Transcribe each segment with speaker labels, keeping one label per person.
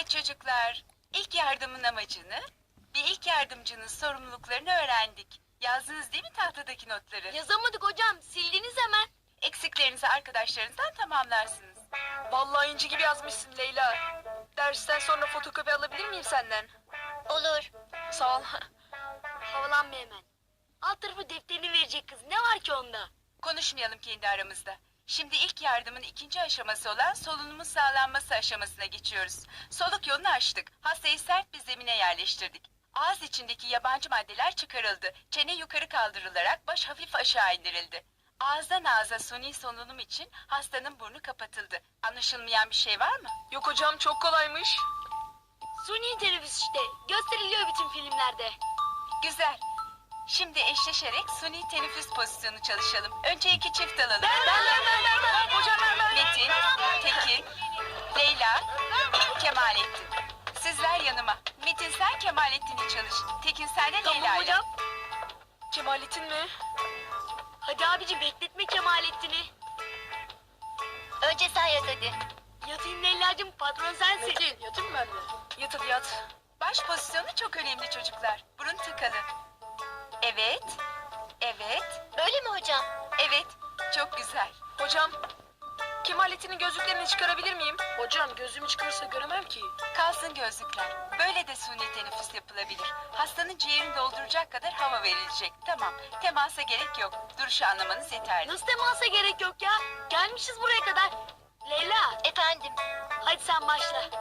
Speaker 1: Evet çocuklar, ilk yardımın amacını ve ilk yardımcının sorumluluklarını öğrendik. Yazdınız değil mi tahtadaki notları?
Speaker 2: Yazamadık hocam. Sildiniz hemen.
Speaker 1: Eksiklerinizi arkadaşlarınızdan tamamlarsınız.
Speaker 3: Vallahi inci gibi yazmışsın Leyla. Dersten sonra fotokopi alabilir miyim senden?
Speaker 2: Olur.
Speaker 3: Sağ ol.
Speaker 2: Havalanma hemen. Alt tarafı defterini verecek kız. Ne var ki onda?
Speaker 1: Konuşmayalım kendi aramızda. Şimdi ilk yardımın ikinci aşaması olan solunumun sağlanması aşamasına geçiyoruz. Soluk yolunu açtık. Hastayı sert bir zemine yerleştirdik. Ağız içindeki yabancı maddeler çıkarıldı. Çene yukarı kaldırılarak baş hafif aşağı indirildi. Ağızdan ağza suni solunum için hastanın burnu kapatıldı. Anlaşılmayan bir şey var mı?
Speaker 3: Yok hocam, çok kolaymış.
Speaker 2: Suni teneffüs işte. Gösteriliyor bütün filmlerde.
Speaker 1: Güzel. Şimdi eşleşerek suni teneffüs pozisyonu çalışalım. Önce iki çift alalım.
Speaker 3: Ben. Hocam ben.
Speaker 1: Metin, Tekin, Leyla, Kemalettin. Sizler yanıma. Metin sen Kemalettin'i çalış. Tekin sen de
Speaker 2: Tamam
Speaker 1: Leyla'yla.
Speaker 2: hocam.
Speaker 3: Kemalettin mi?
Speaker 2: Hadi abici bekletme Kemalettin'i.
Speaker 4: Önce sen yat hadi.
Speaker 2: Yatayım Leyla'cığım, patron sensin.
Speaker 3: Metin, yatayım mı ben de? Yat hadi yat.
Speaker 1: Baş pozisyonu çok önemli çocuklar. Burun tıkalı. Evet, evet,
Speaker 4: Böyle mi hocam?
Speaker 1: evet. Çok güzel.
Speaker 3: Hocam, Kemalettin'in gözlüklerini çıkarabilir miyim? Hocam, gözümü çıkarırsa göremem ki.
Speaker 1: Kalsın gözlükler. Böyle de suni teneffüs yapılabilir. Hastanın ciğerini dolduracak kadar hava verilecek. Tamam. Temasa gerek yok. Duruşu anlamanız yeterli.
Speaker 2: Nasıl temasa gerek yok ya? Gelmişiz buraya kadar. Leyla,
Speaker 4: Efendim.
Speaker 2: hadi sen başla.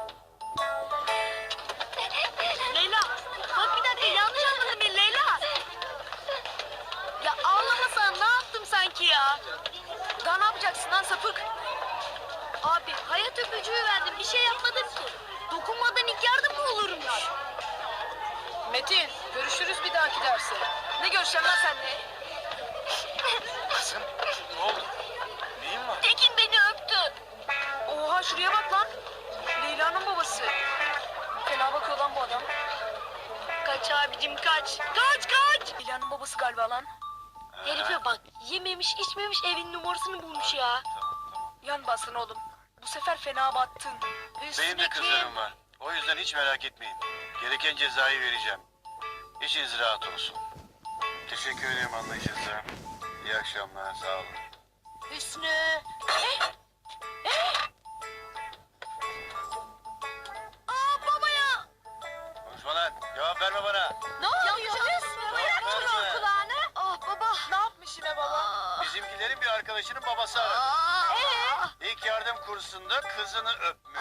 Speaker 2: Leyla, bak bir dakika yanlış anladın beni Leyla. Ya ağlamasan ne yaptım sanki ya?
Speaker 3: Daha ne yapacaksın lan sapık?
Speaker 2: Abi hayat öpücüğü verdim, bir şey yapmadım ki. Dokunmadan ilk yardım mı olurmuş?
Speaker 3: Metin, görüşürüz bir dahaki derse. Ne görüşeceğim lan seninle?
Speaker 5: Kızım, ne oldu? Neyin var?
Speaker 4: Tekin beni öptü.
Speaker 3: Oha, şuraya bak lan. Leyla'nın babası. Fena bakıyor lan bu adam.
Speaker 2: Kaç abicim kaç. Kaç.
Speaker 3: Leyla'nın babası galiba lan.
Speaker 2: Herife bak, yememiş içmemiş evin numarasını bulmuş ya.
Speaker 3: Yan basın oğlum. Bu sefer fena battın.
Speaker 5: Benim de kızlarım var. O yüzden hiç merak etmeyin. Gereken cezayı vereceğim. İçiniz rahat olsun. Teşekkür ederim anlayışınıza. İyi akşamlar, sağ olun.
Speaker 2: Hüsnü. Baba ya.
Speaker 5: Konuşma lan, cevap verme bana.
Speaker 2: Ne oluyor Hüsnü? Bırak
Speaker 5: Verme.
Speaker 2: çocuğun kulağını. Ah baba.
Speaker 3: Ne yapmış yine baba?
Speaker 5: Bizimkilerin bir arkadaşının babası aradı. İlk yardım kursunda kızını öpmüş.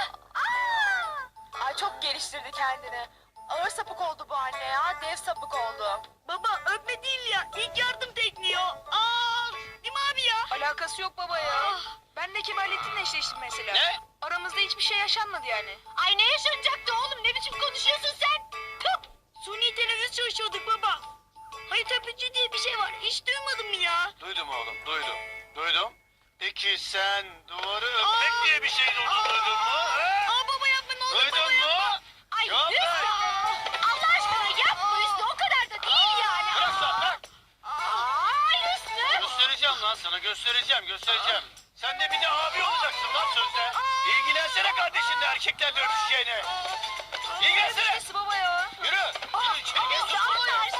Speaker 3: Ay çok geliştirdi kendini. Ağır sapık oldu bu anne ya. Dev sapık oldu.
Speaker 2: Baba öpme değil ya. İlk yardım tekniği o. Değil mi abi ya?
Speaker 3: Alakası yok baba ya.
Speaker 2: Ah.
Speaker 3: Ben de Kemalettin'le eşleştim mesela.
Speaker 5: Ne?
Speaker 3: Aramızda hiçbir şey yaşanmadı yani.
Speaker 2: Ay ne yaşanacaktı oğlum? Ne biçim konuşuyorsun sen? Tüh! Suni teneffüs çalışıyorduk baba. Hayat öpücü diye bir şey var. Hiç duymadın mı ya?
Speaker 5: Duydum oğlum, duydum. Duydum. Peki sen duvarı öpmek diye bir şey duydun mu? He?
Speaker 2: Baba yapma ne olur baba
Speaker 5: Duydun
Speaker 2: yapma.
Speaker 5: mu?
Speaker 2: Ay
Speaker 5: Cevap
Speaker 2: Hüsnü!
Speaker 5: ver.
Speaker 2: Allah aşkına yapma Hüsnü. O kadar da değil yani.
Speaker 5: Bırak sen, bırak.
Speaker 2: Hüsnü!
Speaker 5: Göstereceğim lan sana, göstereceğim. Sen de bir de abi olacaksın lan sözde. İlgilensene kardeşinle erkeklerle öpüşeceğine. İlgilensene.
Speaker 3: Nesi baba ya?
Speaker 5: Yürü içeri geç.
Speaker 2: Allah